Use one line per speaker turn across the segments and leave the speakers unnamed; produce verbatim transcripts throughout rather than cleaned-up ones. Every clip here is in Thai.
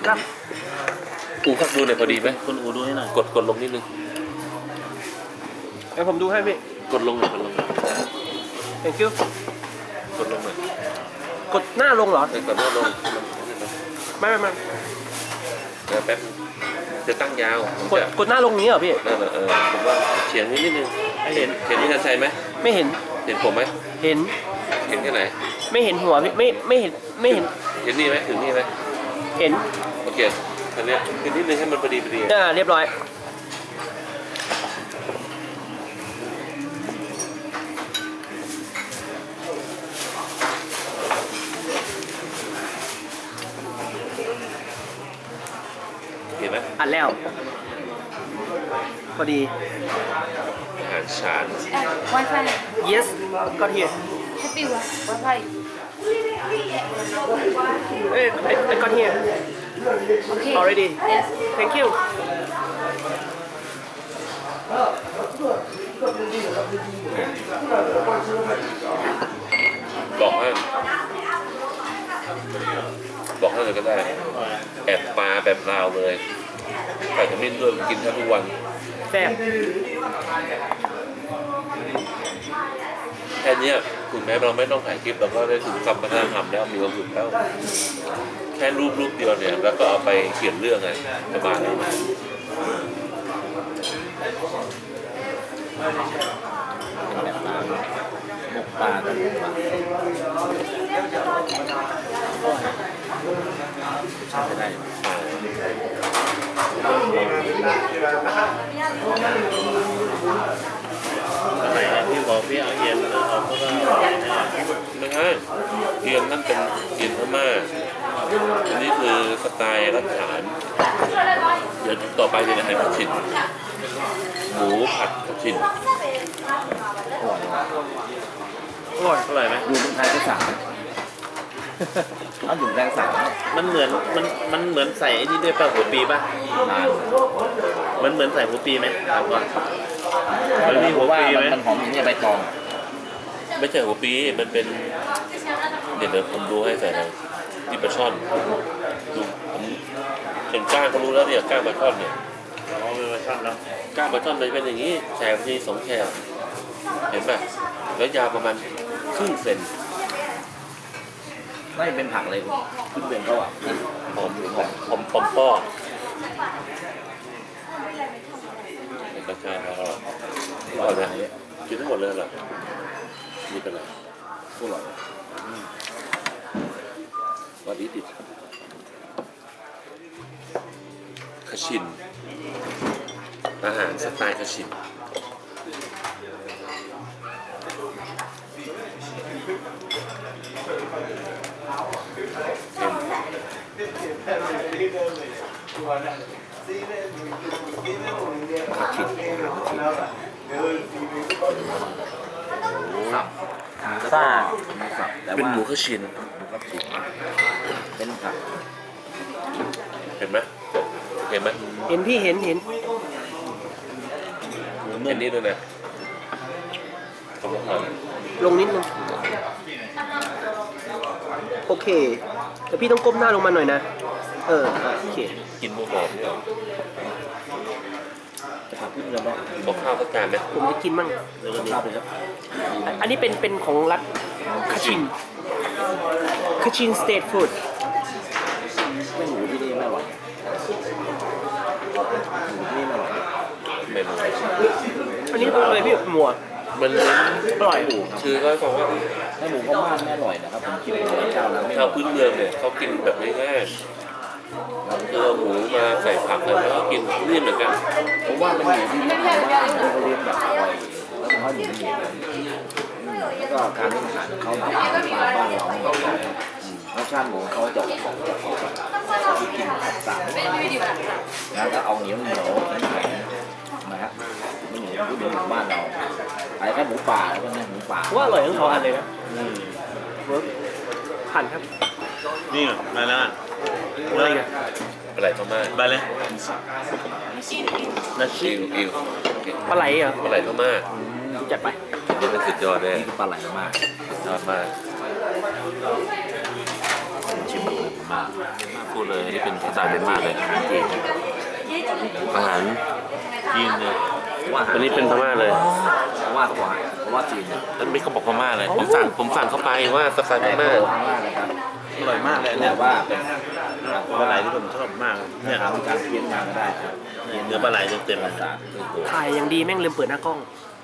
ครับ
อูครับดูหน่อยพอดีไหม
คุณอูดูให้หน่อย
กดกดลงนิดนึง
เดี๋ยวผมดูให้พี่
กดลงหน่อยกดลงหน่อย
thank you
กดลงหน่อย
กดหน้าลงเหรอ
เออกดหน้าลง
ไม่ไม่ไม่
เดี๋ยวแป๊บจะตั้งยาวผม
กด
จะ
กดหน้าลงนี้เหรอพี่
นั่นแหละเออผมว่าเฉียงนิดนิดนึง
ให้เห็น
เห็นพี่ชันชัยไหม
ไม่เห็น
เห็นผมไหม
เห็น
เห็นแค่ไหน
ไม่เห็นหัวพี่ไม่ไม่เห็นไม่เห็น
เห็นนี่ไหมถึงนี่ไหม
เห็น
โอเคอันเนี้ยคือนิดนึงให้มันพอดีพอดี
อ่าเรียบร้อย
เห็นไหม
อัดแล้ว พอดี
อาหารฉาน
Wi-Fi
yes got here
happy Wi-Fi
เอ้ย I I got here
okay
already
yes
thank you
บอกให้บอกให้เลยก็ได้แอบปลาแบบลาวเลยใส่ขมิ้นด้วยกินแทบทุกวัน
แซ่บ
แค่เนี้ยถึงแม้เราไม่ต้องถ่ายคลิปเราก็ได้ถึงคำพัฒนาธรรมแล้วมีความสุขแล้วแค่รูปรูปเดียวเนี่ยแล้วก็เอาไปเขียนเรื่องไงสบายแล้ว
แบบปลาหมกปลากันใช้ได้ สมัยที่บอกพี่เอาเย็นเอาเพราะว่า
ไม่ใช่เทียนนั่นเป็นเทียนพม่าอันนี้คือสไตล์รัฐฉานเดี๋ยวต่อไปจะให้ผัดฉินหมูผัดผัดฉิน
อร่อย
อร่อยไหม
อยู่เมืองไทยก็สั่งเอาอยู่แรงสั่ง
มันเหมือนมันมันเหมือนใส่ไอ้นี่ด้วยป่ะหัวปีป่ะ
นาน
มันเหมือนใส่หัวปีไหมถามก่อน มันมี
เพ
หัว
ราะว่า
ปีไหม
มันหอมอย่างนี้ใบตอง
ไม่ใช่หัวปีมันเป็นเดี๋ยวเดี๋ยวผมดูให้ใส่หน่อยที่ปลาช่อนดูผมเห็นก้างก็รู้แล้วเนี่ยก้างปลาช่อนเนี่ย
อ๋อเป็นเวอร์ชันเนาะ
ก้างปลาช่อนมันจะเป็นอย่างนี้แฉกทีสองแฉกเห็นป่ะแล้วยาวประมาณครึ่งเซน
ไม่เป็นผักเลยขึ้นเป็นเขาอ่ะ
หอมหอมหอมหอมป้อเป็นกระชายแล้วอร่อยนะกินทั้งหมดเลยเหรอมีเป็นไร
อร่อย
วันนี้ติดคาชินอาหารสไตล์คาชิน
ผักชิ้นสับ
ซ่า
สับแต่
เป็น
ว่า
หมูคาชิน
เป็นผัก
เห็นไหมเห็นไหม
เห็นพี่เห็นเห็น
เห็นนี่ด้วยนะขอบคุณครับ
ลงนิดนึงโอเคแต่พี่ต้องก้มหน้าลงมาหน่อยนะเออโอเค
กินหมูหอมเนี่ย
ผักที่เราต้อง
บอกข้าวสักจานไหม
ผมจะกินมั่ง
เดี๋ยวก็มี
ข้าวไปครับ
อันอันนี้เป็นเป็นของรัฐคาชินคาชินสเตทฟู้ด
ไม่หมูที่นี่ไม่อร่อยหมูที่นี่ไม่อร่อย
เมนู
อันนี้เป็นอะไรพี่หมวก
มันเน้น
อร่อย
คือเขาบอกว่า
ให้หมูพม่าไม่อร่อยนะครับผมกินหมูเจ้าแล้วไม่อ
ชาว
ร่อย
พื้นเมืองเนี่ยเขากินแบบง่ายๆคือเอาหมูมาใส่ผักแล้วก็กินนี่เหมือนกัน
ผมว่าเป็นหมูที่ชาวบ้านเขาเลี้ยงแบบอร่อยแล้วเขาอยู่ในเหตุแล้วก็การเลี้ยงอาหารของเขาแบบบ้านบ้านเราไม่เหมือนกันรสชาติหมูเขาจะออกของจะออกแบบที่กินแบบต่างแล้วก็เอาเหนียวเหนียวแข็งๆนะฮะไม่เหนียวที่เป็นหมูบ้านเราไอ้แค่หมูป่าแล้วก็เนี่ยหมูป่า
ว่าอร่อยทั้งสองอันเลยนะ
อืม
เวิร์กผ่านครับ
นี่มาแล้ว
อะไรกัน
ปลาไหลพม่า
ไปเลยนาชิ
อิวอิวโอเค
ปลาไหลเหรอ
ปลาไหลพม่า
จัดไป
นี่มันสุดยอดเลย
นี่คือปลาไหลมาก
สุดยอดมาก
ชิมหมูมา
ฟูพูดเลยอันนี้เป็นสไตล์เมียนมาเลยอาหารจีนเลย
ว่า
อันนี้เป็นพม่าเลย
เพราะว่าเพราะว่าเพราะว่าจีนเนี่ย
อันนี้เขาบอกพม่าเลยผมสั่งผมสั่งเข้าไปว่าสไตล์พม่า
พม่านะครับ
อร่อยมากเลยอัน
แต่
เนี่ย
ว่าเป็น
ปลาไหลที่ผมชอบมากเนี่ย
ทำการเพี้ยนมาก็ได้ครับ
เนื้อปลาไหลเต็มๆเลย
ภาษาคือตัว
ถ่ายอย่างดีแม่งลืมเปิดหน้ากล้อง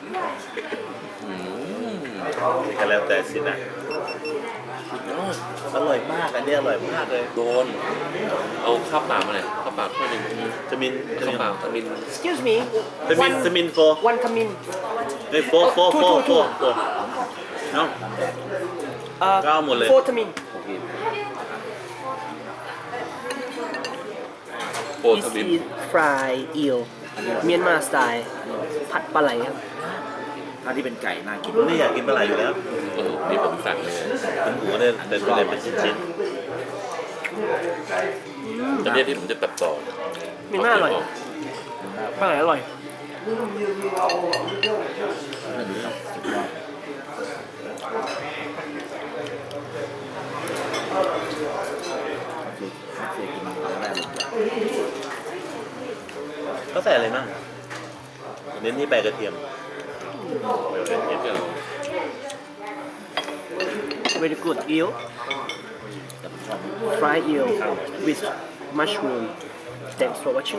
ก็แล้วแต่สินะอร่อยมากอันนี้อร่อยมากเลย
โดนเอาข้าวเปล่ามาเลยข้าวเปล่าถ้วยหนึ่ง
สมินส
ข้าว
มิน
เปล่าตะมิน
excuse me
สมินสมินโฟ
one come in
เฮ้ยโฟโฟโฟโฟโฟเนาะ
เอ่อ
ก็เอาหมดเลย
four come in
โอเค
โปร
this
ตะมิน
is fried eel เมียนมาสไตล์ผัดปลาไหลครับ
ถ้าที่เป็นไก่น่ากิน
ผมนี่อยากกินปลาไหลอยู่แล้ว
เออนี่ผมสั่งเลย
เป็นหมูเนี่ยเป็นตัวเนี่ยเป็นชิ้น
อันนี้ที่ผมจะตัดต่อ
เมียนมาอร่อยปลาไหลอร่อย
นั่นดีครับสุดยอดคือเคยกินมาแล้วได้เลย
ๆก็ใส่อะไรบ้างเน้นที่ใบกระเทียม
เดี๋ยวเรา
very good eel
แต่ผมชอบ
fried eel with mushroom thanks for watching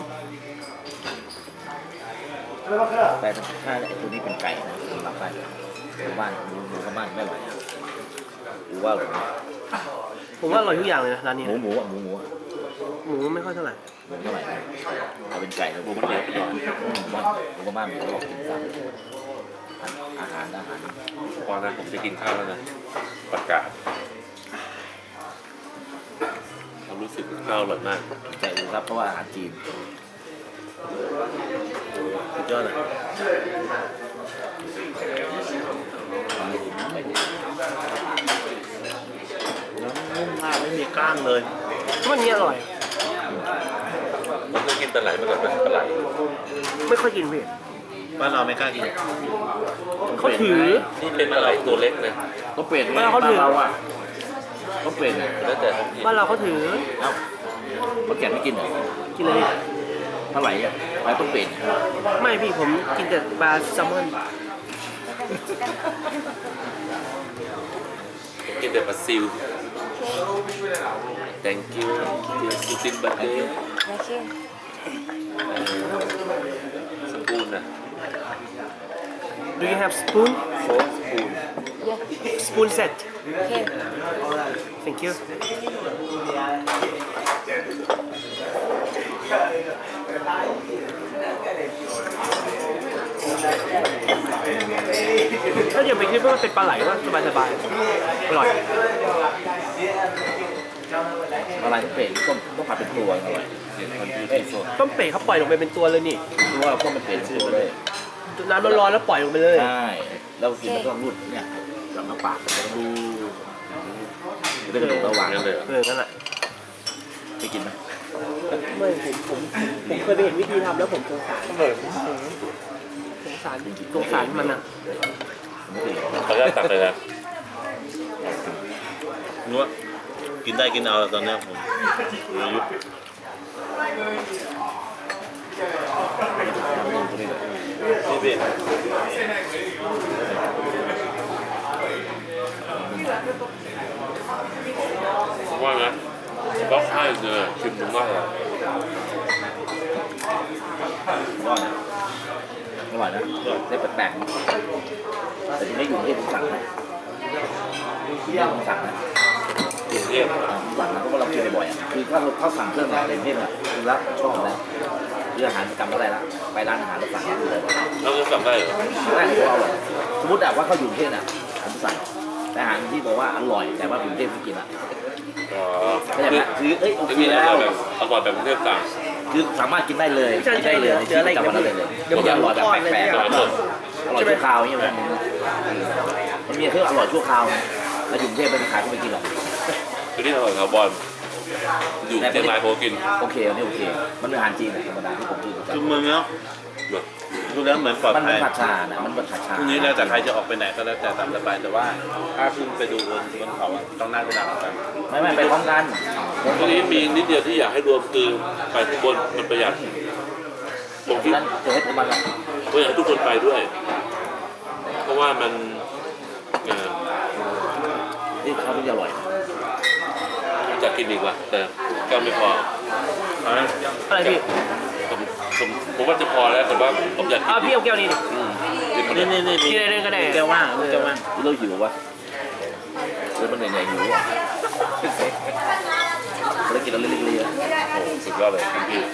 แต่ถ้าไอ้ตัวนี้เป็นไก่นะผมรับได้หมูบ้านหมูหมูกับบ้านไม่อร่อยนะหรือว่าอร่อยนะ
ผมว่าอร่อยทุกอย่างเลยนะร้านนี้
หมูหมูอ่ะหมูหมูอ่ะ
หมูไม่ค่อยเท่าไหร่
หมูเท่าไหร่นะเอาเป็นไก่แล้วหมูมันเยอะก่อนหมูบ้านหมูกับบ้านหมูเรากินซ้ำอาหารอาหาร
พอนะผมจะกินข้าวแล้วนะประกาศความรู้สึกข้าวอร่อยมาก
ใจอูครับเพราะว่าอาหารจีน
สุดยอดเลยน้ำนุ่มมากไม่มีกล้างเลย
วันนี้อร่อย
ผมเคยกินปลาไหลมาก่อนไหมปลาไหล
ไม่ค่อยกินพี่
บ้านเราไม่กล้ากิน
เขาถือ
นี่เป็นปลาไหลตัวเล็กนะ
ก็เปลี่ยนไง
บ้านเขาถือ
บ้านเราอ่ะก็เปลี่ยนไง
แล้วแต่ท้องถิ่น
บ้านเราเขาถือ
เอ้าเขาแก่ไม่กินเหรอ
กินเลย
เท่าไหร่อ่ะไปต้องเปลี่ยน
ไม่พี่ผมกินแต่ปลาแซลมอน
ผมกินแต่ปลาซิว thank you ซูซินบัตเดอร์
Thank you.
สปูนนะ
Do you have spoon
โฟสปูน
Yeah.
spoon set
Okay.
thank you ถ้าอย่าไปคิดว่ามันเป็นปลาไหลว่าสบายสบายๆอร่อย
อะไรต้องเปลี่ยนต้องต้องผัดเป็นตัวอร่อย
ต้มเป็ดเขาปล่อยลงไปเป็นตัวเลยนี่
หรือว่าต้องมันเปลี่ยนเป็นตัวเลย
น้ำร้อนๆแล้วปล่อยลงไปเลย
ใช่แล้วกินแล้วก็รูดเนี่ยกับน้ำปากแล้วก็ดูดูได้กระดูกระหว่าง
นั่นเลยเหรอ
เออนั่นแหละ
ไปกินไหม
ไม่ผมผมผมเคยไปเห็นวิธีทำแล้วผมสงสารสงสารสงสารมันอ่ะ
ผมไม่เคยเห็น
ขออนุญาตตักเลยนะ
นัวกินได้กินเอาตอนเนี้ยผมอายุ
ตัวนี้เลย
พี่พี่
ผมว่านะก็ให้เลยชิมดูว่าอะไร
อร่อยนะอร่อยนะได้แปลกๆนะแต่ที่ไม่อยู่ที่ผมสั่งนะที่นี่ผมสั่งนะ
กรุงเทพ
อ่าผมสั่งนะเพราะว่าเรากินบ่อยๆอ่ะคือถ้าเราเข้าสั่งเครื่องอะไรเทพอ่ะคือรักชอบนะเรื่องอาหารจำก็ได้ละไปร้านอาหารแล้วสั่งเลย
เราจะสั่งได้เหรอ
ได้เพราะว่าอร่อยสมมติแบบว่าเขาอยู่กรุงเทพอ่ะผมสั่งแต่อาหารที่บอกว่าอร่อยแต่ว่าอยู่กรุงเทพไม่กินอ่ะ
อ๋อ
เข้าใจไหมคือเอ้ยโอ
จะ
เค
มีอ
แล้
ร่อ
วย
แบบอร่อยแบบกรุงเทพต่าง
คือสามารถกินได้เลยกินได้เลยในชีวิตประจำวันได้เลย
เดี๋ยว
อร่อยแบบแปลก
อร่อยสด
ๆอร่อยชั่วคราวอย่างเงี้ยมันมีเครื่องอร่อยชั่วคราวแล้วอยู่กรุงเทพไม่ขายก็ไม่กินหรอก
คือที่อร่อยครับบอลอยู่เชียงรายโพกิน
โอเคอันนี้โอเคมันเป็นอาหารจีนธรรมดาที่ผมกินประ
จุ่ม
จำ
มือเนาะ
แบบ
อดูแล้วเหมือนปลอด
มัน
ภั
มัน
ย
ผัดชาน่ะมันผัดชา
พรุ่งนี้แล้วแต่ใครจะออกไปไหนก็แล้วแต่ตามสบายแต่ว่าถ้าขึ้นไปดูบนบนเขาอะต้องนั่งไปดักกัน
ไม่ไม่ไปพร้อมกัน
ทีนี้มีนิดเดียวที่อยากให้รวมคือไปข้างบนมันประหยัดผมคิด
นั้นจะให้ผมมาละ
ว่าอยากให้ทุกคนไปด้วย เพราะว่ามันเอ่อ
นี่ข้าวที่อร่อย
จะกินอีกว่ะแต่ก็ไม่พอ
อะไรพี่
ผมผมผมว่าจะพอแล้วแต่ว่าผมอยากกิ
อ้าวน พี่เอาแก้วนี้ดิ
อืมกินหมด
นี่
เลย
นี่นี่
กินอะไรก็ได้
แก้วว่างแก้วว่าง
เราหิววะเลยมันเหนื่อยๆหิวอ่ะแล้วกินแล้วเล็กๆเลย
โอ้สุดยอดเลยคุณพี่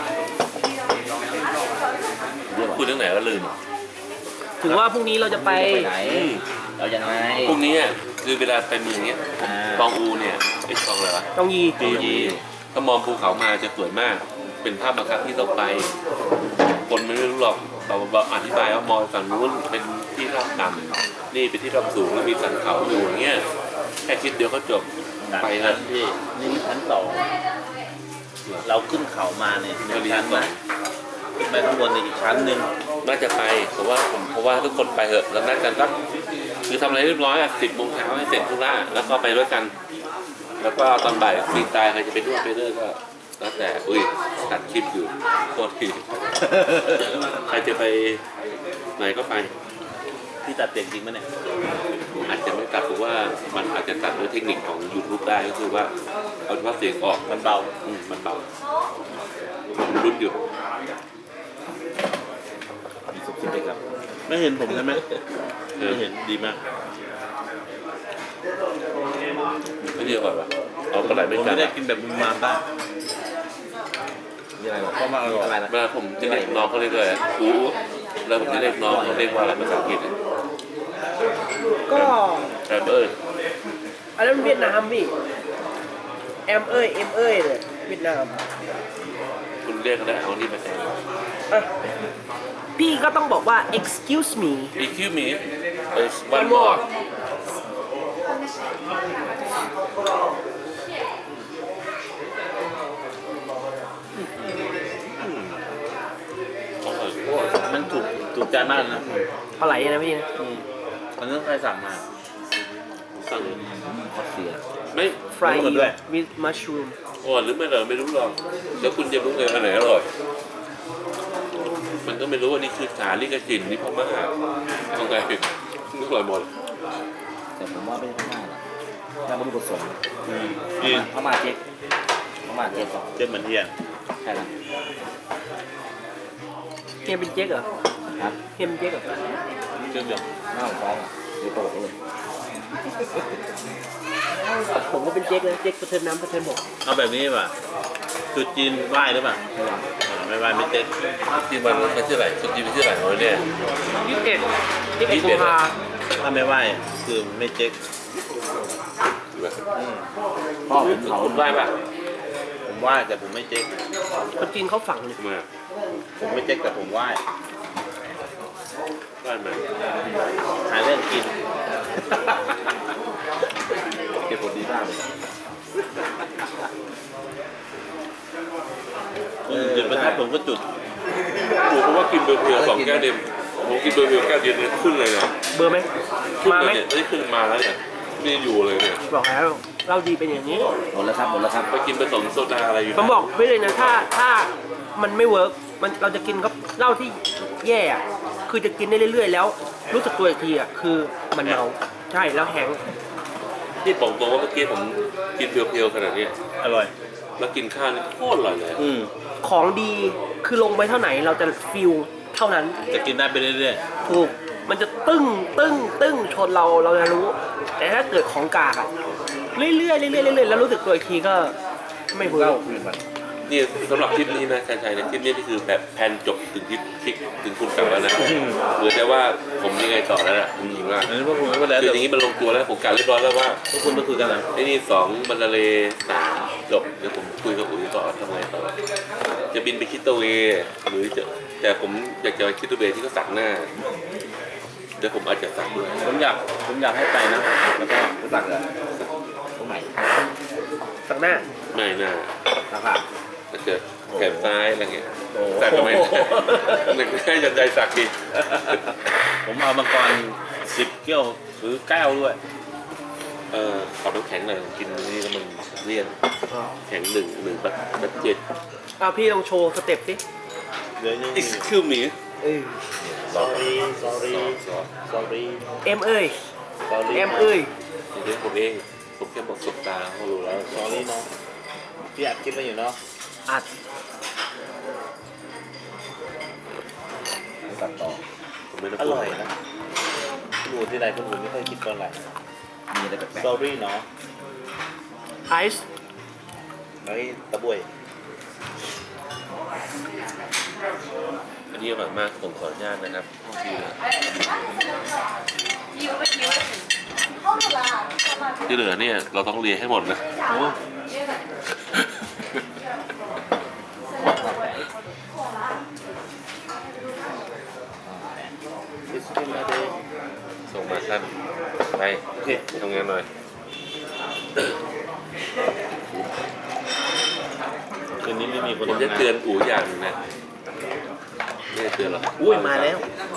เรียกว่า
พูดเรื่องไหนก็ลืม
ถึงว่าพรุ่งนี้เราจะไป
ไปไหน
อืม
เรายังไง
พวกนี้อ่ะคือเวลาไปเมืองเนี้ย
อ่า
ตองอูเนี่ยไอ้ตองอะไรวะ
ต้องยี
ตองยีถ้ามองภูเขามาจะสวยมาก เป็นภาพบังคับที่ต้องไป คนไม่รู้หรอกเราเราอธิบายว่ามองฝั่งนู้นเป็นที่ราบต่ำนี่เป็นที่ราบสูงแล้วมีสันเขาอยู่อย่างเงี้ยแค่คิดเดียวก็จบไป
ไป
นะ
นะพี่นี่ชั้นสองเราขึ้นเขามาเนี่ยหนึ่งชั้นนะขึ้นไปข้างบนในอีกชั้นหนึ่ง
น่าจะไปเพราะว่าผมเพราะว่าทุกคนไปเถอะแล้วนัดกันก็คือทำอะไรเรียบร้อยอ่ะสิบโมงเช้าให้เสร็จธุระแล้วก็ไปด้วยกัน แล้วก็ตอนบ่ายปีตายใครจะไปด้วยไปเรื่อยก็แล้วแต่อุ้ยตัดคลิปอยู่โคตรที ใครจะไปไหนก็ไป
พี่ตัดเสียงจริงไหมเนี่ย
อาจจะไม่ตัดหรือว่ามันอาจจะตัดด้วยเทคนิคของ YouTube ได้ก็คือว่าเอาเฉพาะเสียงออก
มันเบา
อืมมันเบาผมรุ้นอยู่
มีสุกคิดเลยครับ
ไม่เห็นผมใช่ไหมไม่เห็นดีมาก
ไม่ดีกว่าปะเอากระไรไม่
ผม
กั
ไม่
น
ได้กินแบบมุมมามบ้าง
มีอะไรบอก
เพราะมันอร่อย
อะไรนะ
เวลาผมจะเรียกน้องเขาเรียกอะไรอู๋แล้วผมจะเรียกน้องเขาเรียกว่าอะไรภาษาอังกฤษ
ก็
แรปเปอร์
อันนั้นเวียดนามพี่แอมเอ้ยเอ็มเอ้ยเลยเวียดนาม
คุณเรียกเขาได้เอานี่มาแทน
อ่ะพี่ก็ต้องบอกว่า excuse me
excuse me is one
One
more
more
อร่อยโคตร
มันถูกถูกใจมากนะ
ปลาไหลนะพี่นะ
อืมมันต้องใครสั่งมา
สั่ง
คอเสีย
ไม่
fry
รู้หมดด้วย
with mushroom
อร่อยหรือไม่อร่อยไม่รู้หรอกแล้วคุณจะรู้เลยอันไหนอร่อย มันก็ไม่รู้ว่านี่คือสาลิกจินนี่พม่าต้องไงนึกอร่อยหมด
แต่ผมว่าไม่ใช่พม่าหรอกแค่บริบทสม
อืม
พ
กิน
ม่าพม่าเจ๊กพม่าเจ๊กสอง
เจ็บเหมือนเทียน
ใช่ละ
เฮียเป็นเจ๊กเหรอ
ครับ
เฮียเป็นเจ๊กเหรอ
เชื่อมโยง
หน้าฟ้องอ่ะเดี๋ยวโตเลย
ผมก็เป็นเจ๊กเลยเจ๊กประเทินน้ำประเทินบก
เอาแบบนี้ป่ะจุดจีนไหว้หรือเปล่าอ่าไม่ไหว้ไม่เต้น
ที่มันเป็นที่ไหนคุณจีนเป็นที่ไหนวะเนี่ย
ยี่สิบเอ็ดยี่สิบเอ็ดกุมภา
ถ้าไม่ไหว้คือไม่เจ๊กอืม
พ่อผมเขา
คุณไหว้ปะ
ผมไหว้แต่ผมไม่เจ๊ก
คนจีนเขาฝังเลย
มา
ผมไม่เจ๊กแต่ผมไหว้
ไหว้มา
หาเรื่องกิน
เก็บผลดีมากเลย
จุดประทัดผมก็จุด
ผมเพราะว่ากินเบอร์เพียวสองแก้วเดียวผมกินเบอร์เพียวแก้วเดียวเนี่ยขึ้นเลยนะ
เบอร์ไหม
ขึ้น
มา
เล
ไหม
ยเนี่ยนี่ขึ้นมาแล้วเนี่ยนี่อยู่เลยเนี่ย
บอกแล้วเราดีเป็นอย่างนี้
หมดแล้วครับหมดแล้วครับ
ไปกินผสมโซดาอะไรอยู่
ผมบอกไว้เลยนะถ้าถ้ามันไม่เวิร์กมันเราจะกินก็เหล้าที่แย่อะคือจะกินได้เรื่อยๆ แล้ว รู้สึกตัวอีกทีอ่ะคือมันเมาใช่แล้วแห้งก์
ที่บอกตรงว่าเมื่อกี้ผมกินเพียวๆขนาดเนี้ย
อร่อย
แล้วกินข้าวนี่โคตรอร่อยเลย
อืม
ของดีคือลงไปเท่าไหนเราจะฟิลเท่านั้น
จะกินได้ไปเรื่อย
ถูกมันจะตึ้งตึ้งตึ้งชนเราเราจะรู้ แต่ถ้าเกิดของกากอะเรื่อยๆเรื่อยๆเรื่อยๆแล้วรู้สึกตัวอีกทีก็ไม่เวิร์ก
นี่สำหรับทริปนี้นะชัยชัยในทริปนี้นี่คือแบบแพนจบถึงทริปทริปถึงคุณกลับแล้วนะเหลือแต่ว่าผมยังไงต่อแล้วนะผมยิงว่า
ๆอันนี้พวกผมก็แล้ว
คือ
แต่
อย่างนี้มันลงตัวแล้วผมกะเรียบร้อยแล้วว่า
พวกคุณมาคุยกันนะ
ไอ้นี่สองมันละเลสามจบเดี๋ยวผมคุยกับอุ๋ยต่อทำไงต่อจะบินไปคิดตัวเวหรือจะแต่ผมอยากจะไปคิดตัวเวที่เขาสักหน้าเดี๋ยวผมอาจจะสักด้วย
ผมอยากผมอยากให้ไปนะ แล้วก็
รู้จักเหรอตรงไหน
สักหน้า
ไม่น่า
ราคา
ถ้าเกิดแขนซ้ายอะไรเงี้ย
โอ้โห
สักทำไมหนึ่งให้ยันใจสักดิ
ผมเอามังกรสิบเกี้ยวหรือแก้วด้วย
เออขอน้ำแข็งหน่อยกินนี่แล้วมันเลี่ยนแข็งหนึ่งหนึ่งแบบแบบเจ็ด
เอาพี่ลองโชว์สเต็ปสิ
เดี๋ยวยัง
excuse me
เออ
sorry sorry
สอน
sorry
เอ็มเอ้ย
sorry
เอ็มเอ้ย
เดี๋ยวผมเองผมแค่บอกสบตาเขารู้แล้ว
sorry เนาะพี่อัดคลิปมาอยู่เนาะ
อัด
ตัดต่อ
ผมไม่ได้
อ
พูด
ร่อยนะคุณอูที่ไหนคุณอูไม่เคยคิดก่อนไหน
มีอะไรแปลก
sorry เนาะ
ไอซ์
ไอ้ตะบวย
อันนี้อร่อยมากผมขออนุญาตนะครับที่เหลือเนี่ยเราต้องเรียนให้หมดนะ
โอ้ It's been a day
ส่งมาสั้นไป
โอเค
ทำงานหน่อย
คืนนี้ไม่มีคน
ผมจะ
ทำงาน
เตือนอูอย่างหนึงนะไม่ได้เตือนหรอก
อุ้ยมาแล้ว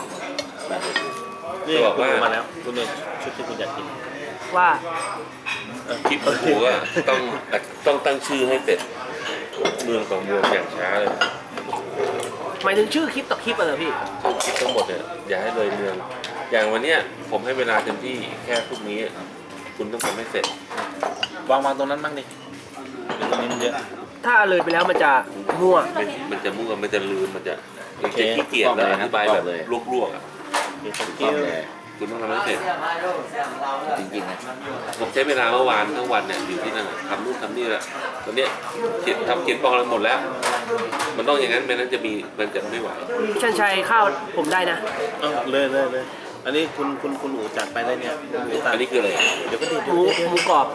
นี่
จะบอกว่า
คุณมาแล้วคุณเนี่ยชุดที่คุณอยากกิน
ว่า
คลิปของอูก็ต้องต้องตั้งชื่อให้เสร็จเมืองของเมืองอย่างช้าเลย
หมายถึงชื่อคลิปต่อคลิปอะเหรอพี่
คลิปทั้งหมดเนี่ยอย่าให้เลยเมือง อย่างวันเนี้ยผมให้เวลาเต็มที่แค่พรุ่งนี้ คุณต้องทำให้เสร็จ
วางวางตรงนั้นบ้างดิเดี๋ยวตรงนี้มันเยอะ
ถ้าเลยไปแล้วมันจะมั่ว
มันมันจะมั่วมันจะลืมมันจะมันจะขี้เกียจแล้วอธิบายแบบลวกๆอ่ะ
มีสัก
ๆ
กิ้
ต้อ
ว
งเลย
คุณต้องทำให้เสร็จ
จริงๆนะ
ผมใช้เวลาเมื่อวานทั้งวันเนี่ยอยู่ที่นั่นน่ะทำนู่นทำนี่แหละตอนเนี้ยเขียนทำเขียนปองอะไรหมดแล้ว มันต้องอย่างนั้นไม่นั้นจะมีมันจะไม่ไหว
ชันชัยข้าวผมได้นะ
เอาเลยเลยเลยอันนี้คุณคุณคุณอูจัดไปเลยเนี่ยคุณอูตัด
อันนี้คืออะไร
เดี๋ยวก็ดี
ห
เดี๋ยว
มู
เดี๋ยว
หมูกรอบ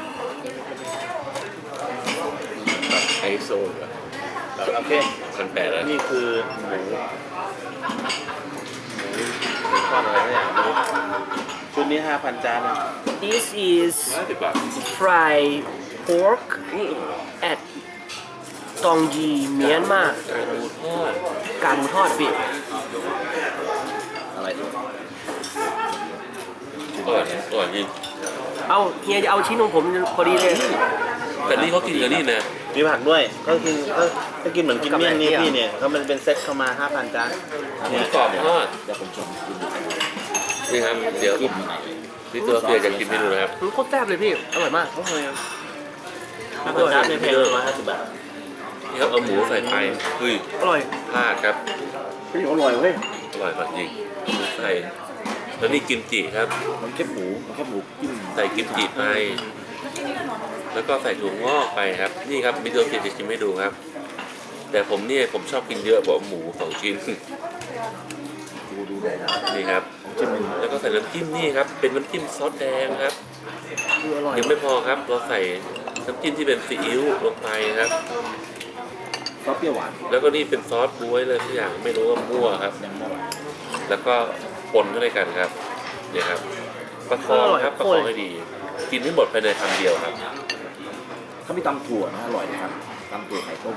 ไอโซน
โอเค
พันแปดแล้ว
นี่คือหมูหมูเป็นก้อนอะไรสักอย่างไม่รู้ชุดนี้ห้าพันจานนะ
this is
ห้าสิบบาท
fried pork at ตองยีเมียนมา
การดูทอด
การหมูทอดพี่
อะไรตัว
อร่อยอร่อยจริง
เอาเฮียจะเอาชิ้นของผมพอดีเลย
แต่นี่เขากินกันนี่นะ
มีผักด้วยก็คือก็ก็กินเหมือนกินเมี่ยงนี่
กับอะไร
พี่เนี่ยเขามันเป็นเซตเข้ามาห้าพันจาน
หมูกรอบทอด
เดี๋ยวผมชมกินดู
นี่ครับเดี๋ยว
กินยังไง
พี่ตัวเฟียจะกินเมนูนะครับ
มันโคตรแซ่บเลยพี่ อร่อยมาก
ห้าพันจานในเพลงร้อยห้าสิบบาท
นี่ครับเอาหมูใส่ไปเฮ้ย
อร่อย
พลาดครับ
เฮ้ยอร่อยเว้ย
อร่อยจริงใส่แล้วนี่กิมจิครับ
มันแค่หมูมันแค่หมูจิ้ม
ใส่กิมจิไป แล้วก็ใส่ถั่วงอกไปครับ นี่ครับมิโดะเฟียจะชิมให้ดูครับ แต่ผมเนี่ยผมชอบกินเยอะกว่าหมูสองชิ้น
ดูดูเลยนะ
นี่ครับ
จิ้มมัน
แล้วก็ใส่น้ำจิ้มนี่ครับ เป็นน้ำจิ้มซอสแดงครับ
คืออร่อย
ยังไม่พอครับ เราใส่น้ำจิ้มที่เป็นซีอิ๊วลงไปครับ
ซอสเปรี้ยวหวาน
แล้วก็นี่เป็นซอสบ๊วยเลยทุกอย่างไม่รู้ว่ามั่วครับ
ยังไม่อร่อย
แล้วก็ปนเข้าด้วยกันครับเนี่ยครับประคองครับประคองให้ดี กินให้หมดภายในคำเดียวครับ
เขามีตำถั่วนะอร่อยนะครับตำถั่วไข่ต้ม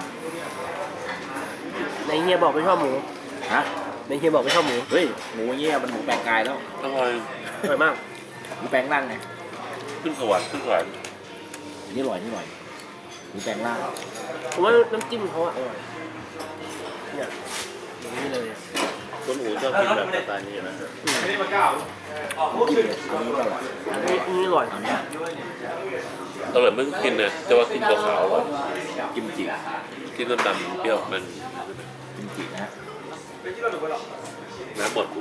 ในเฮียบอกไม่ชอบหมู
ฮะ
ในเฮียบอกไม่ชอบหมู
เฮ้ยหมูเงี้ยมันหมูแปลงกายแล้ว
อร่อย
อร่อยมาก
หมูแปลงร่างไง
ขึ้นสวรรค์ขึ้นสวรรค์
อันนี่อร่อยนี่อร่อยหมูแปลงร่าง
ผมว่าน้ำจิ้มเขาอะอร่อย เนี่ยอย่างนี้เลยอะ
คุณอูชอบกินแบบสไตล์นี้นะ
จิ้มเลยอันนี้ก็อร่อย
อันนี้อันนี้อร่อย
อันเนี้ย
อร่อยไม่ต้องกินนะแต่ว่ากินตัวขาวอ่ะ
กิมจิ
กินน้ำดำเปรี้ยวมัน
กิมจินะฮะ
น้ำหมดหู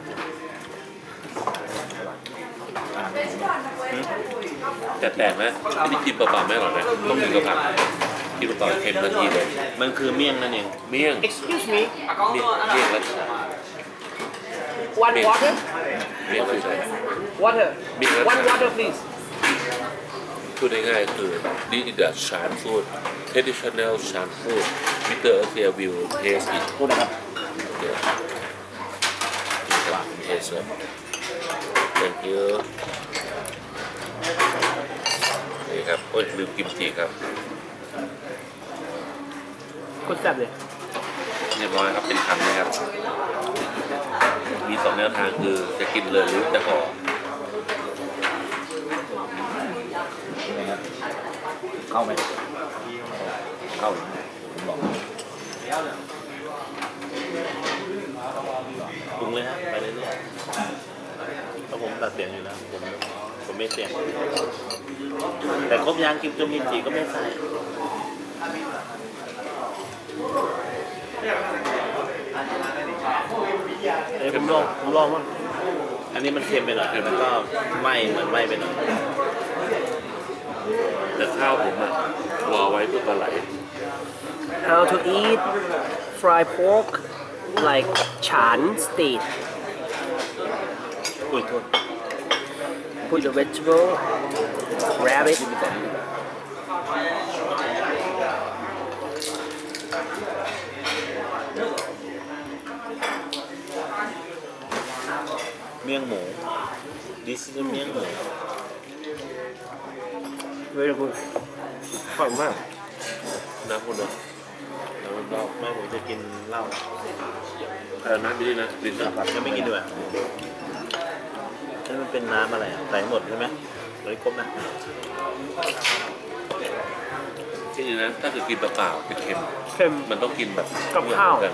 อ่า
แต่แปลกนะอันนี้กินเปล่าๆไม่อร่อยนะต้องกินกับผักกินกับต่อเค็มทันทีเลย
มันคือเมี่ยงนั่นเอง
เมี่ยง
excuse me
เมี่ยงเมี่ยงรัชดา
one water
เมี่ยงรัชดา
water
มีครับ
one water please
พูดง่ายๆคือ this is the Shan food traditional Shan food Mister Asia will taste it
พูดนะครับ
เดี๋ยวนี่ครับเทสครับ thank you นี่ครับโอ้ยลืมกิมจิครับ
คนแซ่บเลย
เรียบร้อยครับเป็นคำนะครับ มีสองแนวทางคือจะกินเลยหรือจะห่อ
ยังไงครับเข้าไหมเข้าหรือไม่ผมบอก
ปรุงเลยฮะไปเรื่อยๆเพราะผมตัดเสียงอยู่แล้วผมผมไม่เสียง แต่ครบยางกิมจุ่มกิมจิก็ไม่ใส่
เดี๋ยวผมลองผมลองมั้ง
อันนี้มันเค็มไปหน่อยแล้วก็ไหม้เหมือนไหม้ไปหน่อย
แต่ข้าวผมอะรอไว้เพื่อปลาไหล
How to eat fried pork like Chan state
อุ้ยโทษ
Put the vegetable grab it
เมี่ยงหมู this is เมี่ยงหมู
very good อร่อยมาก
น้ำคนเดียว
แล้วเราแม่ผมจะกินเหล้า
เออน้ำไปดินะลิ้นนะ
ยังไม่กินด้วยนี่มันเป็นน้ำอะไรอะใส่หมดใช่ไหมเลยครบนะ
ที่นี่นะถ้าเกิดกินเปล่าๆจะเค็ม
เค็ม
มันต้องกินแบบ
กับข้าว
กัน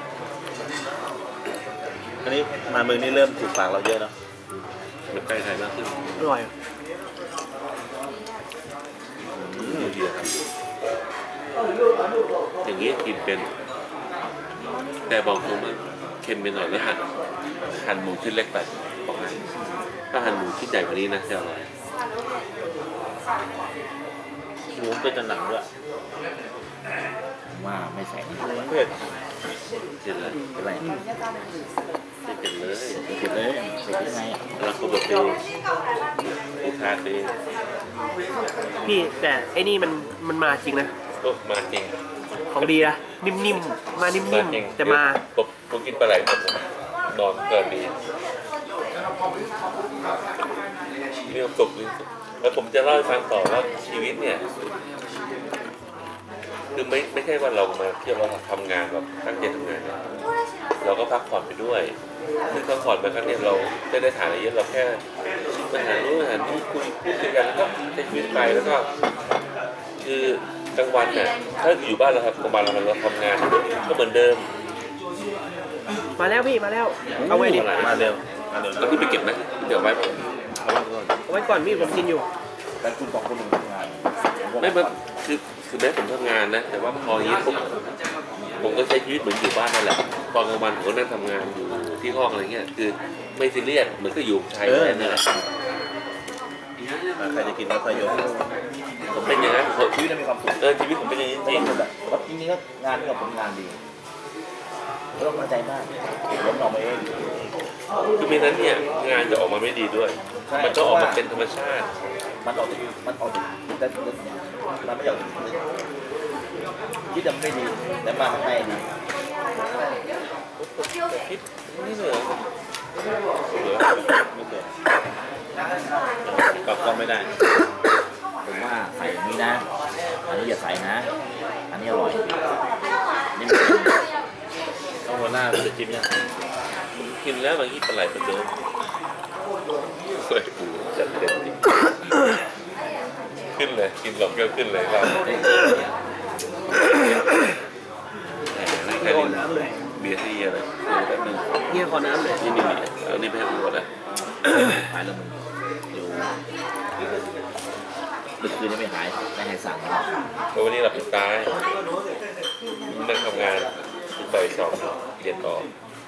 อันนี้มาเมืองนี้เริ่มถูกปากเราเยอะเนาะ
แบบใกล้ไทยมากขึ้น
อร่อย
อืมดีครับอย่างนี้กินเป็น แต่บอกตรงว่าเค็มไปหน่อยแล้วหั่นหั่นหมูชิ้นเล็กไปบอกให้ถ้าหั่นหมูชิ้นใหญ่กว่านี้นะจะอร่อย
หมูเป็นหนังด้วย
ผมว่าไม่ใส่นี่
เผ็ด
เห็นเลย
เป็นไร
เห็นเลย
เสร็จเลยเสร็จยังไงอ่ะ
แล้วก็แบบดูลูกค้าตี
พี่แต่ไอ้นี่มันมันมาจริงนะ
ก็มาจริง
ของดีนะนิ่มๆ มานิ่
มาม จริง
ๆ แต่มา
ผมผมกินปลาไหลหมดผมนอนเกินดีเรื่องสุกเรื่องสุกแล้วผมจะเล่าให้ฟังต่อว่าชีวิตเนี่ย คือไม่ไม่ใช่ว่าเรามาเที่ยวเราทำงานแบบตั้งใจทำงานนะเราก็พักผ่อนไปด้วยซึ่งพักผ่อนไปครั้งเนี้ยเราไม่ได้ถ่ายอะไรเยอะเราแค่มาหารู้หานี่คุยพูดคุยกันแล้วก็ใช้ชีวิตไปแล้วก็ คือกลางวันเนี่ยถ้าอยู่บ้านเราครับกลางวันเราเราทำงานก็เหมือนเดิม
มาแล้วพี่มาแล้ว เอาไว้ดิ
มาเร็วมาเร็ว
เราขึ้นไปเก็บนะเดี๋ยวไว้ผม
เอาไว้ก่อนพี่ผมกินอยู่
แต่คุณสองคนหนึ่งทำงานผ
ไม่มันคือคือแม้ผมทำงานนะ แต่ว่าพออย่างนี้ปุ๊บผมก็ใช้ชีวิตเหมือนอยู่บ้านนั่นแหละตอนกลางวันผมก็นั่งทำงานอยู่ที่ห้องอะไรเงี้ยคือไม่ซีเรียสเหมือนก็อยู่ชายแดนนั่นแหละ
ใครจะกินก็ค่อยยก
ผมเป็นอย่างนั้นผม
ชีวิตเรามีความสุข
เออชีวิตผมเป็นอย่างนี้จ
ไม่
ริง
ต้องแบบว่าจริงๆก็งานก็เป็นงานดีไม่ต้องตั้งใจมากล้มออกมาเอง
คือไม่นั้นเนี่ยงานจะออกมาไม่ดีด้วย มันต้องออกมาเป็นธรรมชาติ
มันออกจากมันออกจากแต่มันไม่ออกจากคิดจะไม่ดีแต่มาข้างในดี
คิดนี่เลยเหรอ
ไม่เกิดกลับก็ไม่ได้
ผมว่าใส่อย่างนี้นะ อันนี้อย่าใส่นะ อันนี้อร่อยนี่
ต้องหัวหน้าจะจิ้มยัง
กินแล้วบางทีปลาไหลเป็นเดิมเคยปูจัดเต็มจริงขึ้นเลยกินหลงก็ขึ้นเลยครับแค่นี้เบียร์ที่อะไรแป๊บนึง
เงี้ยขอน้ำเลย
นี่นี่เอานี่ไปให้ผมก่อนนะ
หายแล้วมึงเดี๋ยวดึกคืนนี้ไม่หายไม่ให้สั่ง
เพราะวันนี้เราเป็นตายนั่งทำงานไปสอบเรียนต่อ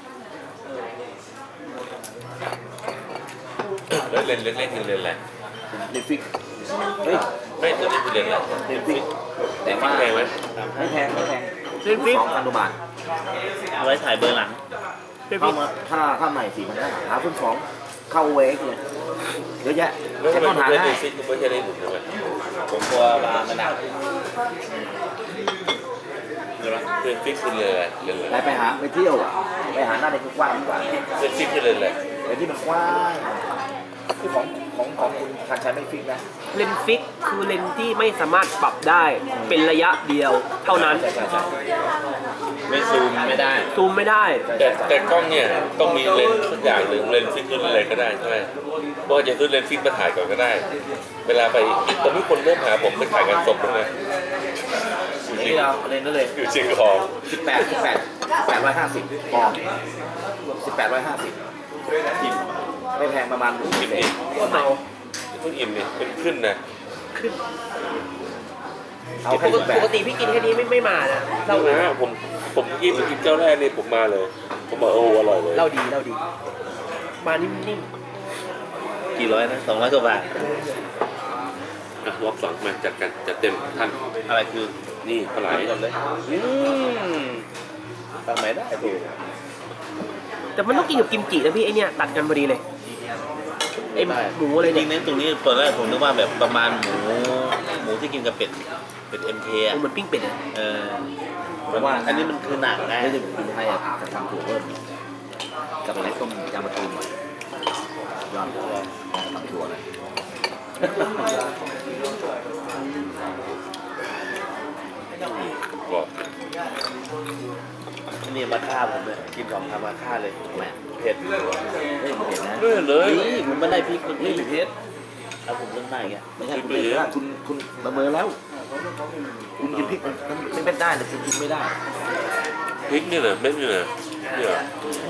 แล้วเรียนเล็กๆคือเรียนอะไร
ลิฟิกเฮ้ย
ไม่ตัวนี้คือเรียนอะไร
ลิฟิกแต่ว่า
แพงไหม
ไม่แพงไม่แพง
เล่นฟิก
สองพันกว่าบาท
เอาไว้ถ่ายเบอร์หลัง
เล่น
เข้า
ฟิก
มาถ้าถ้าใหม่สี่พันห้าหาเพิ่มสองเข้าเวกเลยเยอะแยะ
แล้ว
แต่
ทำไม
ต้น
คุณ
หา
ไม่
ได้
ได้ซิกคุณไม่ใช่ได้หนุนใช่ไหม
ผมกลัวปลามันหนักใช่ไหม
เรียนฟิกคือเรียนอะไรเรียนอะไร
ไปไปหาไปเที่ยวไปหาหน้าในกว้างดีกว่า
เรียนฟิกคือเรียนอะไร
ไอ้ที่มันกว้างคือของของของคุณคันชัยไม่ฟิกนะ
เลนฟิกคือเลนที่ไม่สามารถปรับได้เป็นระยะเดียวเท่านั้น
ใช่ใช่ใช่
ไม่ซูมไม่ได้
ซูมไม่ได้
แต่แต่กล้องเนี่ยต้องมีเลนส์สักอย่างหนึ่งเลนส์ฟิกขึ้นอะไรก็ได้ใช่ไหมเพราะว่าจะขึ้นเลนส์ฟิกมาถ่ายก่อนก็ได้ เวลาไปตอนนี้คนเริ่มหาผมไปถ่ายงานศพแล้วไง
นี่เราเล่นนั่นเลย
อยู่เชียงของ
สิบแปดสิบแปดแปดร้อยห้าสิบปอนด์สิบแปดร้อยห้าสิบทิมไม่แพงประมาณหนึ่ง
อิ่ม
เศ
นี่
ษ
ก็เมา
เพิ่งอิ่มนี่เป็นขึ้นนะ
เอาแค่สิบแป
ป
ด
กติพี่กินแค่นี้ไม่ไม่มานะเรา
เล่านะผมผมกินไปกินเจ้าแรกนี่ผมมาเลย ผมบอกโอ้อร่อยเลย
เราดีเราดี มานิ่ม
กี่ร้อยนะสองร้อยกว่าบาท
อ่ะรอบสองมาจัดกันจัดเต็มท่าน
อะไรคือ
นี่ปลาไหล
ก่อนเลยอืมทำไมได้ถูก
ๆแต่มันต้องกินกับกิมจินะพี่ไอเนี่ยตัดกันพอดีเลยไอหมูอะไร
จริ
เนี่ย
งๆตรงนี้ตอนแรกผมนึกว่าแบบประมาณหมูหมูที่กินกับเป็ดเป็ดเอ็มเคอะ
เหมือนปิ้งเป็ดอะ
เออเพราะว่าอันนี้มันคือหนังไง
ไม่ได้กินไทยอ่ะจะทำถั่วเพิ่มกับอะไรต้มยำมะตูมยอดเลยทำถั่วเลย
บอก
อันนี้มาฆ่าผมเลยกินสองคำมาฆ่าเลย
แหม
เผ็ด
เฮ้ยมันเห็นนะ
เรื่อยเลย
นี่มันไม่ได้พริกมันไม่เผ็ดเอาผมเล่นได้แก
ไม่ใช่คุณเห็นแล้วคุณคุณประเมินแล้ว คุณกินพริกมันไม่เป็นได้แต่คุณกินไม่ได้
พริกนี่เหรอเม็ดนี่เหรอเนี่ยเหรอ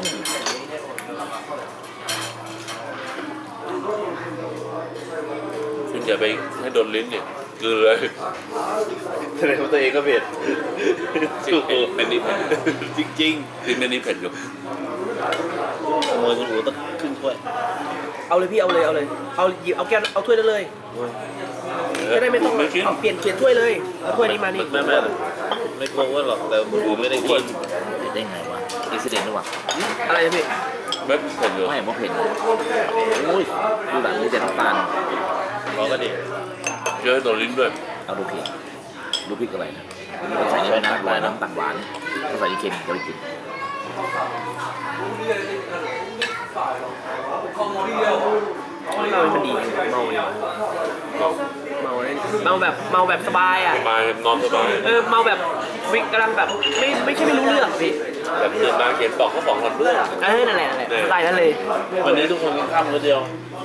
คุณอย่าไปให้โดนลิ้นเนี่ยคือเลย
แสดงว่าตัวเองก็เผ็ด
จริงเป็นนี่เผ็ด
จริง
ลิ้นเป็นนี่เผ็ดอยู่
ๆขโมยคุณอู๋ต้องครึ่งถ้วย
เอาเลยพี่เอาเลยเอาเลยเอาหยิบเอาแก้วเอาถ้วยนั้นเลยจะได้ไม่ต้อง
ไม่กิน
เอาเปลี่ยนเปลี่ยนถ้วยเลยเอาถ้วยนี้มานี่
ไม่ไม่ไม่กลัวว่าหรอกแต่คุณอู๋ไม่ได้กิน
เห็นได้ไงวะอิสเดนหรือเปล่า
อะไรนะพี่
เม็ดเผ็ดอยู่
ไม่ผมเห็นโอ้ยดูหลังมีแต่น้ำตาล
เราก็ดี
เยอะโดนลิ้นด้วย
เอาดูพริกดูพริกอะไรนะใส่ในน้ำหวานน้ำตาลหวานถ้าใส่เค็มจะไม่กิน
เมามันดีเมาเลยเมาเลยเมาแบบเมาแบบสบายอ่ะ
สบายนอนสบาย
เออเมาแบบวิกกำลังแบบไม่ไม่ใช่ไม่รู้เรื่องพี่
แบบตื่นมาเขียนบอกเขาสองคนเรื่อง
เออนั่นแหละนั่นแหละสไตล์นั้นเลย
วันนี้ทุกคนกินข้าวมื้อเดียว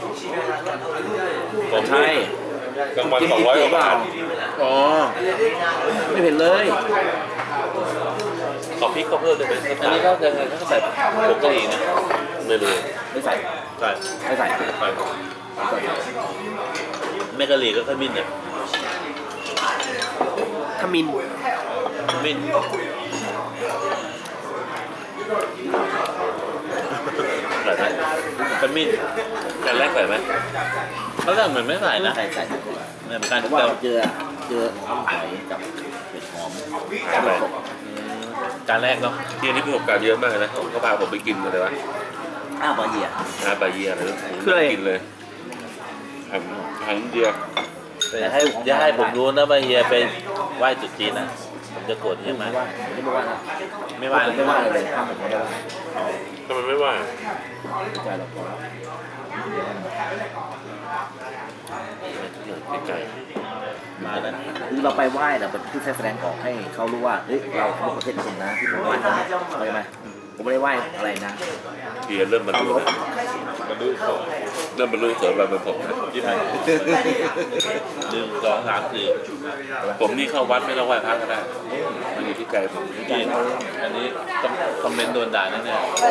ผม
ใช่
กลางวันสองร้อยกว่าบาท
อ๋อ
ไม่เห็นเลย
ขอพริกก็เพิ่มเลยไหม
อันนี้ก็ยังไงก็ใส่ผงกะหรี่นะ
ไม่รู้
ไม่ใส่
ใช่
ไม่ใส่
ไปแม่กะหรี่ก็ขมิ้นเนี่ย
ขมิน
ขมิ้นใส่ไหมขมิ้น
แต่แรกใส่ไหม
เขาแรกเหมือนไม่ใส่นะ
ใส่ใส่
เหมือนกัน
เพ
แต่
ราะว่า
ว่า
เจอเจออ้ำหอยกับเห็ดหอม
ใช่ไหม
จานแรกเนาะ
ที่อันนี้ประสบการณ์เยอะมากนะเขาพาผมไปกินอะไรวะ
อ้าวบะเหี่ย
อาบาเยียอะไรกินเลยทำทำเดียว
อย่าให้อย่าให้ผมรู้นะว่าเฮียไปไหว้จุดจีนนะผมจะโกรธเฮียไหม
ไม่ว่าไม่ว่านะ
ไม่ไหว้
ไม่ว่าเลยข้ามผมไม่ได้ว่า
ทำไมไม่ว่า
ใจเราพอ
ไก่
มาแล้ว
คือเราไปไหว้เนี่ยเป็นที่แสดงออกให้เขารู้ว่าเฮ้ยเราเป็นประเทศคนนะที่ผมไหว้เขาเข้าใจไหมผมไม่ได้ไหว้อะไรนะ
เบียร์เริ่มบรรลุแล้วบรรลุเริ่มบรรลุเสริมบารมีผมนะ
ยิ้มไหมหนึ่งสองสามสี่
ผมนี่เข้าวัดไม่ต้องไหว้พระก็ได้มันอยู่ที่ใจผม
จีนอันนี้ต้องคอมเมนต์โดนด่าแน่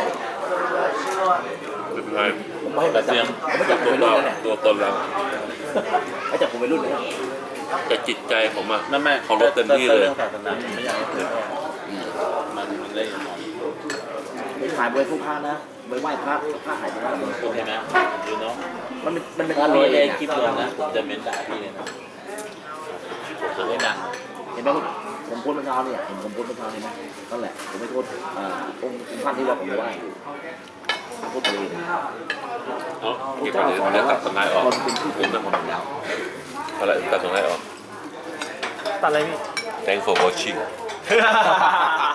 เป็นไง
ผมไม่ให้มาจับผมไม่จับผม
ตัว
ไปรุ่
เรา
นแล้วเนี่ย
ตัวตนเรา
ไม่จับผมไปรุ่นเลย
แต่จิตใจผมอะ
ๆนั่นแม่
เคารพเต็มที่เลย
เรื่องศาสนาไม่อยากให้เผยแพร่มันมันได้ยังไง
ไม่ขายบริผู้พระนะไปไหว้พระพระหายไปแล้ว
โอเคไหมดูเนาะ
มันเป็นมันเป็น
ถ้า
อะไร
ร้อย
เอ
เอง
ง
คลิปลงนะผมจะเม้นด่าพี่เลยนะผมจะไม่ดัง
เห็นไหมผมพูดเมื่อเช้าเนี่ยเห็นผมพูดเมื่อเช้าเห็นไหมนั่นแหละผมไม่โทษอ่าองค์ท่านที่ว่าผมไหว้พูดไปเลย
เอ้าเก็บไปเลยแล้วตัดสไลด์ออก
คนเป็นผู้เป็นคนอยู่แล้ว
อะไรตัดสไลด์ออก
ตัดอะไรพี่
Thanks for watching